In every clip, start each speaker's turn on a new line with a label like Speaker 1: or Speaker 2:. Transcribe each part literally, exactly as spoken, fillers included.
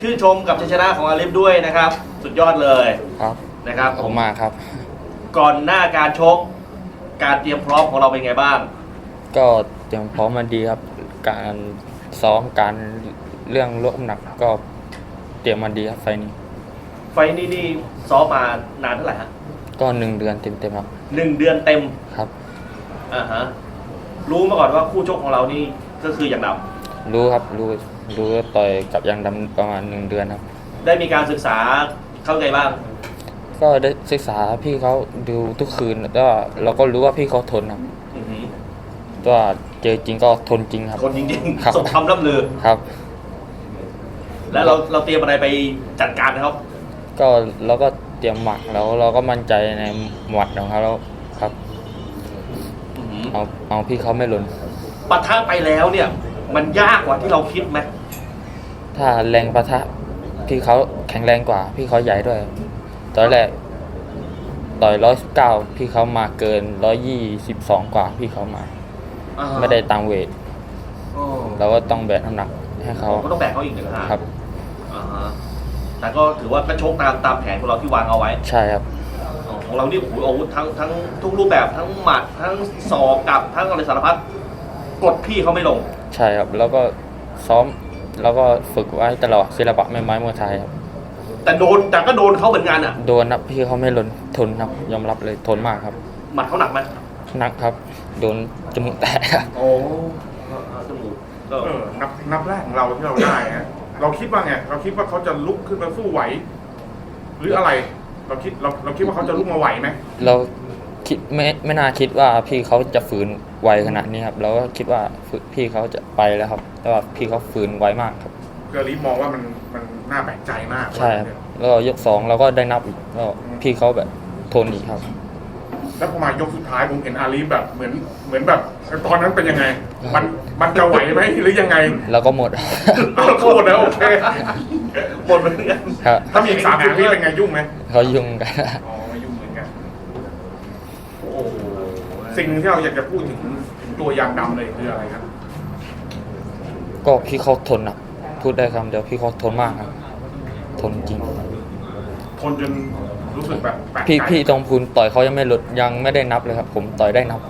Speaker 1: ชื่นชมกับชัยชนะของอาลิฟด้วยนะครับสุดยอดเลย
Speaker 2: ครับ
Speaker 1: นะครับ
Speaker 2: ผมมาครับ
Speaker 1: ก่อนหน้าการชกการเตรียมพร้อมของเราเป็นไงบ้าง
Speaker 2: ก็เตรียมพร้อมมาดีครับการซ้อมการเรื่องลดน้ำหนักก็เตรียมมาดีครับไฟนี้
Speaker 1: ไฟนี้นี่ซ้อมมานานเท่าไหร่ฮะ
Speaker 2: ก็หนึ่งเดือนเต็มๆครับ
Speaker 1: หนึ่งเดือนเต็ม
Speaker 2: ครับ
Speaker 1: อ่าฮะรู้มาก่อนว่าคู่ชกของเรานี่ก็คืออย่างด
Speaker 2: ำรู้ครับรู้รู้ต่อยกับยางดำประมาณหนึ่งเดือนครับ
Speaker 1: ได้มีการศึกษาเข้าใจบ้าง
Speaker 2: ก็ได้ศึกษาพี่เขาดูทุกคืนแล้วก็เราก็รู้ว่าพี่เขาทนครับตัวเจอจริงก็ทนจริงครับ
Speaker 1: ทนจริงๆสมคำล่ำลือ
Speaker 2: ครับ
Speaker 1: แล้วเราเราเตรียมอะไรไปจัดการนะครับ
Speaker 2: ก็เราก็เตรียมหมัดแล้วเราก็มั่นใจในหมัดของเขาแล้วครับเอาเอาพี่เขาไม่หล่น
Speaker 1: ปะทะไปแล้วเนี่ยมันยากกว่าที่เราคิดไหม
Speaker 2: ถ้าแรงปะทะพี่เขาแข็งแรงกว่าพี่เขาใหญ่ด้วยตอนแรกต่อยร้อยสิบเก้าพี่เขามาเกินร้อยยี่สิบสองกว่าพี่เขามาไม่ได้ตามเวทเราก็ต้องแบกน้ำหนักให้เขา
Speaker 1: ก็ต้องแบกเขาอีกหนึ่งครับแต่ก็ถือว่าก็ชกตามตามแผนของเราที่วางเอาไว้
Speaker 2: ใช่ครับ
Speaker 1: ของเรานี่โอ้โหอาวุธทั้งทั้งทุกรูปแบบทั้งหมัดทั้งศอกกับทั้งอะไรสารพัดกดพี่เขาไม่ลง
Speaker 2: ใช่ครับแล้วก็ซ้อมแล้วก็ฝึกไว้ตลอดศิลปะไม่ไม้มวยไทยครับ
Speaker 1: แต่โดนแต่ก็โดนเขาเหมือนกันอ่ะ
Speaker 2: โดนครับพี่เขาไม่หล่นทนครับยอมรับเลยทนมากครับ
Speaker 1: หมัดเขาหนักไหม
Speaker 2: หนักครับโดนจมูกแตก
Speaker 1: โอ้จมูก
Speaker 3: ก็นับนับแรกของเราที่เราได้ฮะเราคิดว่าไงเราคิดว่าเขาจะลุกขึ้นมาสู้ไหวหรืออะไรเราคิดเราเราคิดว่าเขาจะลุกมาไหวไหม
Speaker 2: เราคิดไม่ไม่น่าคิดว่าพี่เขาจะฝืนไวขนาดนี้ครับเราก็คิดว่าพี่เขาจะไปแล้วครับแต่ว่าพี่เขาฝืนไวมากครับ
Speaker 3: เกอรีมองว่ามันมันน่าแปลกใจมาก
Speaker 2: ใช่ครับแล้วยกสองเราก็ได้นับอีกแล้วพี่เขาแบบทนอีกครับ
Speaker 3: แล้วพอมายกสุดท้ายผมเห็นอาลีแบบเหมือนเหมือนแบบตอนนั้นเป็นยังไงมันมันจะไหวไหมหรือยังไง
Speaker 2: เราก็หมด
Speaker 3: เราก็หมดแล้วโอเค
Speaker 1: หมดเหมือนกัน
Speaker 3: ถ้ามีอีกสามสิบวิเป็นไงยุ่งไหม
Speaker 2: เขายุ่งกัน
Speaker 3: อ๋อยุ่งเหมือนกันโอ้สิ่งที่เราอยากจะพูดถึงตัวยางดำเลยคืออะไรครับ
Speaker 2: ก็พี่เขาทนอ่ะพูดได้คำเดียวพี่เขาทนมากครับทนจริง
Speaker 3: ทนจนรู้สึกแบบแปลกใจ
Speaker 2: พี่พี่ตรงพูนต่อยเขายังไม่หลุดยังไม่ได้นับเลยครับผมต่อยได้นับ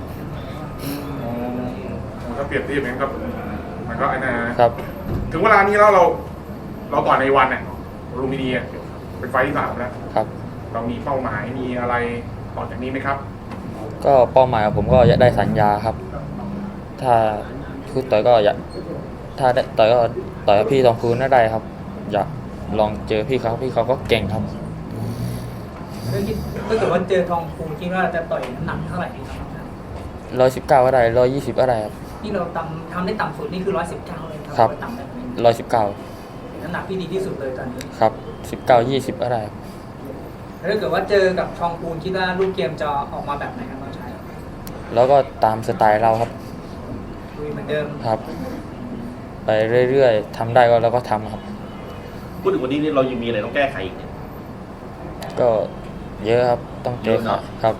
Speaker 3: ถ้าเปรียบเทียบนั้นก็มันก็ไอ้นะครับถึงเวลานี้แล้วเราเราต่อยในวันเนี่ยลูมิเนียเป็นไฟที่สามแล้ว
Speaker 2: ครับ
Speaker 3: เรามีเป้าหมายมีอะไรต่อจากนี้ไหมครับ
Speaker 2: ก็เป้าหมายของผมก็อยากได้สัญญาครับถ้าพูดต่อยก็อยากถ้าได้ต่อยก็ต่อยกับพี่ตองพูนได้ครับอยากลองเจอพี่เขาพี่เขาก็เก่งครับ
Speaker 4: ถ้าเกิดว่าเจอทองพูนคิดว่าจะต่อยน้ำหนักเท่าไหร่ครับ
Speaker 2: ร้อยสิบเก้าก็ได้ร้อยยี่สิบก็ได้ครับ
Speaker 4: ที่เราทำทำได้ต่ำสุดนี่คือร้อยสิบเก้าเลย
Speaker 2: ครับร้อยสิบเก้า
Speaker 4: น้ำหนักที่ดีที่สุดเลยตอนนี้
Speaker 2: ครับสิบเก้ายี่สิบก็ได้
Speaker 4: ถ้าเกิดว่าเจอกับทองพูนคิดว่ารูปเกมจะออกมาแบบไหนครับน้องชาย
Speaker 2: แล้วก็ตามสไตล์เราครับ
Speaker 4: ลุยเหมือนเดิม
Speaker 2: ครับไปเรื่อยๆทำได้ก็เราก็ทำครับ
Speaker 1: พูดถึงวันนี้เรายังมีอะไรต้องแก้ไขอีกเนี่ย
Speaker 2: ก็เยอะครับต้องเจอครับ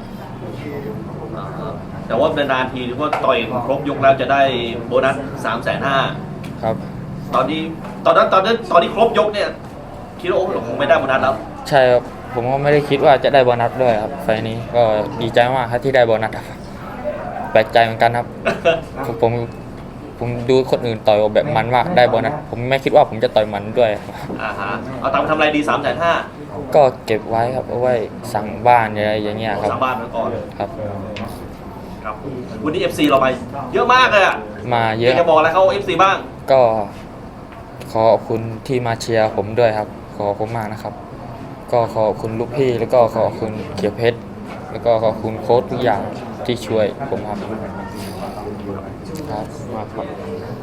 Speaker 1: แต่ว่านานๆทีหรือว่าต่อยครบยกแล้วจะได้โบนัสสามแสนห้า
Speaker 2: ครับ
Speaker 1: ตอนนี้ตอนนั้นตอนนั้นตอนนี้ครบยกเนี่ยคิดว่าโอ้คงไม่ได้โบนัสแล้ว
Speaker 2: ใช่ครับผมก็ไม่ได้คิดว่าจะได้โบนัสด้วยครับไฟนี้ก็ดีใจมากครับที่ได้โบนัสครับแปลกใจเหมือนกันครับผมผมดูคนอื่นต่อยแบบมันมากได้โบนัสผมไม่คิดว่าผมจะต่อยมันด้วย
Speaker 1: อ่าฮะเอาตังค์ทำอะไรดีสามแสนห้า
Speaker 2: ก็เก็บไว้ครับเอาไว้สั่งบ้านอะไรอย่างเงี้ยครับ
Speaker 1: สั่งบ้านไว้ก่อน
Speaker 2: ครับ
Speaker 1: ครับวันนี้ เอฟ ซี เราไปเยอะมากเลยอ่ะ
Speaker 2: มาเยอะ
Speaker 1: จะบอกอะไรเขา เอฟ ซี บ้าง
Speaker 2: ก็ขอบคุณที่มาเชียร์ผมด้วยครับขอบคุณมากนะครับก็ขอบคุณลูกพี่แล้วก็ขอบคุณเขียวเพชรแล้วก็ขอบคุณโค้ชทุกอย่างที่ช่วยผมครับครับมากครับ